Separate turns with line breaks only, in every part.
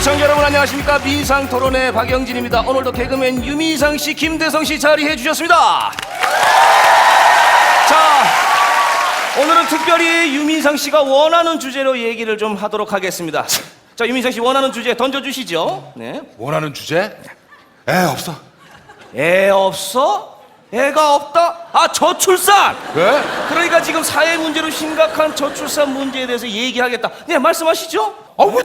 시청자 여러분 안녕하십니까. 민상토론의 박영진입니다. 오늘도 개그맨 유민상씨, 김대성씨 자리해 주셨습니다. 자, 오늘은 특별히 유민상씨가 원하는 주제로 얘기를 좀 하도록 하겠습니다. 자, 유민상씨 원하는 주제 던져주시죠. 네.
원하는 주제? 없어.
애 없어? 애가 없다? 아, 저출산!
왜?
그러니까 지금 사회 문제로 심각한 저출산 문제에 대해서 얘기하겠다. 네, 말씀하시죠.
왜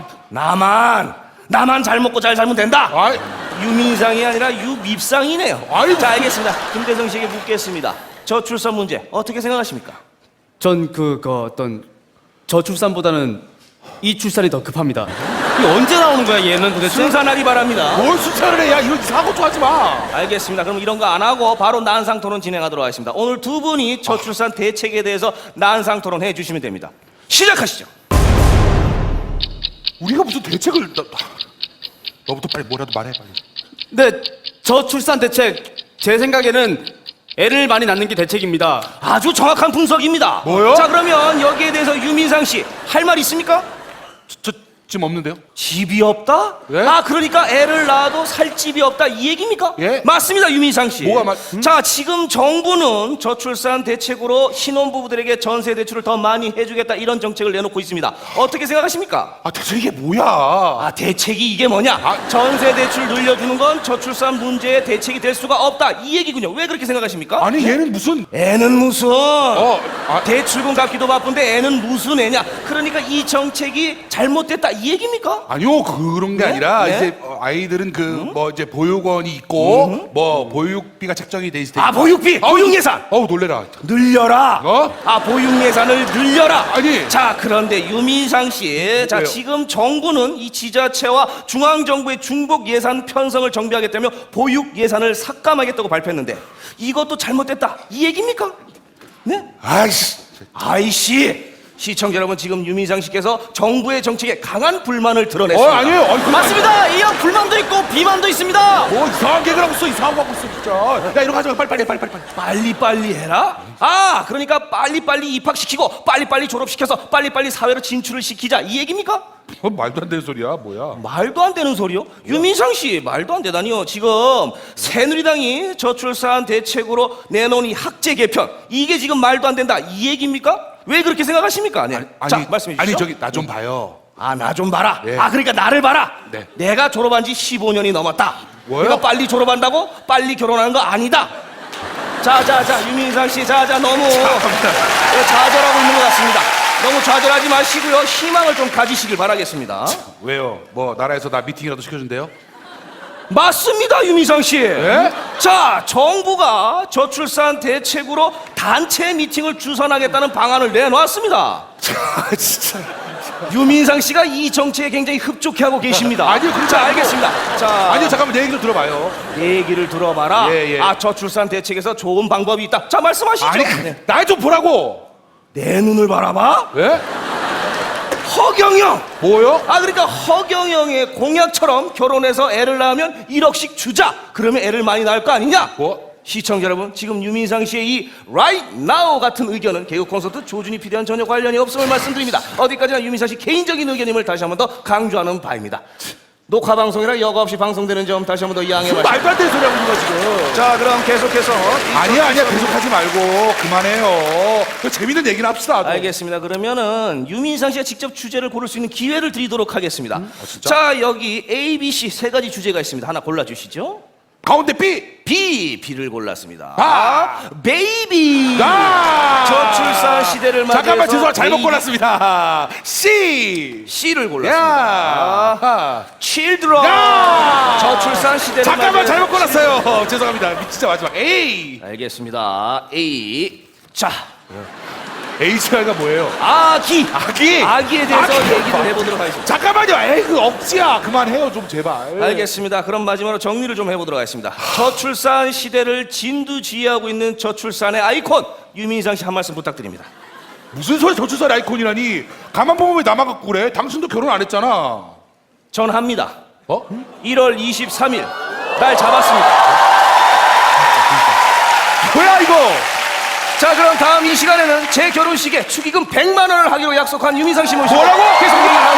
나만 잘 먹고 잘 살면 된다.
아이,
유민상이 아니라 유밉상이네요.
아이고.
자, 알겠습니다. 김대성 씨에게 묻겠습니다. 저출산 문제 어떻게 생각하십니까?
전 어떤 저출산보다는 이 출산이 더 급합니다. 이게 언제 나오는 거야 얘는 도대체?
순산하기 바랍니다.
뭘 숫자를 해? 야, 이런 사고 좀 하지 마.
알겠습니다. 그럼 이런 거 안 하고 바로 난상 토론 진행하도록 하겠습니다. 오늘 두 분이 저출산 대책에 대해서 난상 토론 해 주시면 됩니다. 시작하시죠.
우리가 무슨 대책을... 너부터 빨리 뭐라도 말해, 빨리.
네, 저출산 대책 제 생각에는 애를 많이 낳는 게 대책입니다.
아주 정확한 분석입니다.
뭐요?
자, 그러면 여기에 대해서 유민상 씨 할 말 있습니까?
저 지금 없는데요?
집이 없다?
예?
아, 그러니까 애를 낳아도 살 집이 없다 이 얘기입니까?
예.
맞습니다, 유민상 씨.
뭐가
자, 지금 정부는 저출산 대책으로 신혼부부들에게 전세 대출을 더 많이 해주겠다 이런 정책을 내놓고 있습니다. 어떻게 생각하십니까?
대체 이게 뭐야?
아, 대책이 이게 뭐냐? 전세 대출 늘려주는 건 저출산 문제의 대책이 될 수가 없다 이 얘기군요. 왜 그렇게 생각하십니까?
아니, 얘는 무슨...
애는 무슨 대출금 갚기도 바쁜데 애는 무슨 애냐? 그러니까 이 정책이 잘못됐다 이 얘기입니까?
아니요, 그런 게
네?
아니라
네?
이제 아이들은 이제 보육원이 있고 보육비가 책정이 돼 있을 때.
보육비, 보육 예산
놀래라.
늘려라. 보육 예산을 늘려라.
아니.
자, 그런데 유민상 씨, 자,
왜요?
지금 정부는 이 지자체와 중앙 정부의 중복 예산 편성을 정비하겠다며 보육 예산을 삭감하겠다고 발표했는데 이것도 잘못됐다 이 얘기입니까? 네? 아이씨. 시청자 여러분, 지금 유민상 씨께서 정부의 정책에 강한 불만을 드러냈습니다.
아니에요. 그건
맞습니다. 이 형 불만도 있고 비만도 있습니다.
이상한 개그를 하고 있어. 이상한 거 하고 있어, 진짜. 야, 이런 거 하지 마. 빨리.
빨리빨리 해라? 아, 그러니까 빨리빨리 입학시키고 빨리빨리 졸업시켜서 빨리빨리 사회로 진출을 시키자 이 얘기입니까?
말도 안 되는 소리야, 뭐야.
말도 안 되는 소리요? 유민상 씨, 말도 안 되다니요. 지금 새누리당이 저출산 대책으로 내놓은 이 학제 개편, 이게 지금 말도 안 된다 이 얘기입니까? 왜 그렇게 생각하십니까? 네. 자, 말씀해 주시죠.
나 좀 봐요.
아, 나 좀 봐라.
예.
그러니까 나를 봐라.
네.
내가 졸업한 지 15년이 넘었다.
뭐요?
내가 빨리 졸업한다고 빨리 결혼하는 거 아니다. 자, 유민상 씨, 너무 좌절하고 있는 것 같습니다. 너무 좌절하지 마시고요. 희망을 좀 가지시길 바라겠습니다.
왜요? 나라에서 나 미팅이라도 시켜준대요?
맞습니다, 유민상 씨.
예?
자, 정부가 저출산 대책으로 단체 미팅을 주선하겠다는 방안을 내놓았습니다.
진짜.
유민상 씨가 이 정책에 굉장히 흡족해하고 계십니다.
아니요, 그렇지
자,
않고.
알겠습니다. 자,
아니요, 잠깐만, 내 얘기 좀 들어봐요.
얘기를 들어봐라.
예.
저출산 대책에서 좋은 방법이 있다. 자, 말씀하시죠.
나 좀 보라고.
내 눈을 바라봐.
왜?
허경영.
뭐요?
그러니까 허경영의 공약처럼 결혼해서 애를 낳으면 1억씩 주자. 그러면 애를 많이 낳을 거 아니냐? 시청자 여러분, 지금 유민상 씨의 이 right now 같은 의견은 개그 콘서트 조준이 PD와는 전혀 관련이 없음을 말씀드립니다. 어디까지나 유민상 씨 개인적인 의견임을 다시 한 번 더 강조하는 바입니다. 녹화 방송이라 여과 없이 방송되는 점 다시 한 번 더 양해 말씀.
말도 안 되는 소리 하고 있는 거야, 지금.
자, 그럼 계속해서
아니야, 계속하지 말고 그만해요. 재밌는 얘기나 합시다.
알겠습니다. 그러면은 유민상 씨가 직접 주제를 고를 수 있는 기회를 드리도록 하겠습니다.
진짜?
자, 여기 A, B, C 세 가지 주제가 있습니다. 하나 골라주시죠.
가운데 B.
B를 골랐습니다. 베이비. 저출산 시대를 맞이해서
잠깐만, 죄송합니다. 잘못
베이비.
골랐습니다. C를
골랐습니다. Children. 저출산 시대를
잠깐만,
맞이해서
잘못 골랐어요. 죄송합니다. 진짜 마지막 A.
알겠습니다. A. 자,
H가 뭐예요?
아기에 대해서 얘기를 해보도록 하겠습니다.
잠깐만요. 그 억지야. 그만해요, 좀 제발.
알겠습니다. 그럼 마지막으로 정리를 좀 해보도록 하겠습니다. 저출산 시대를 진두지휘하고 있는 저출산의 아이콘 유민상 씨 한 말씀 부탁드립니다.
무슨 소리 저출산 아이콘이라니. 가만 보면 왜 나만 갖고 그래? 당신도 결혼 안 했잖아.
전 합니다. 1월 23일 날 잡았습니다.
뭐야 이거?
자, 그럼 다음 이 시간에는 제 결혼식에 축의금 100만 원을 하기로 약속한 유민상 씨 모시고
뭐라고?
계속 얘기를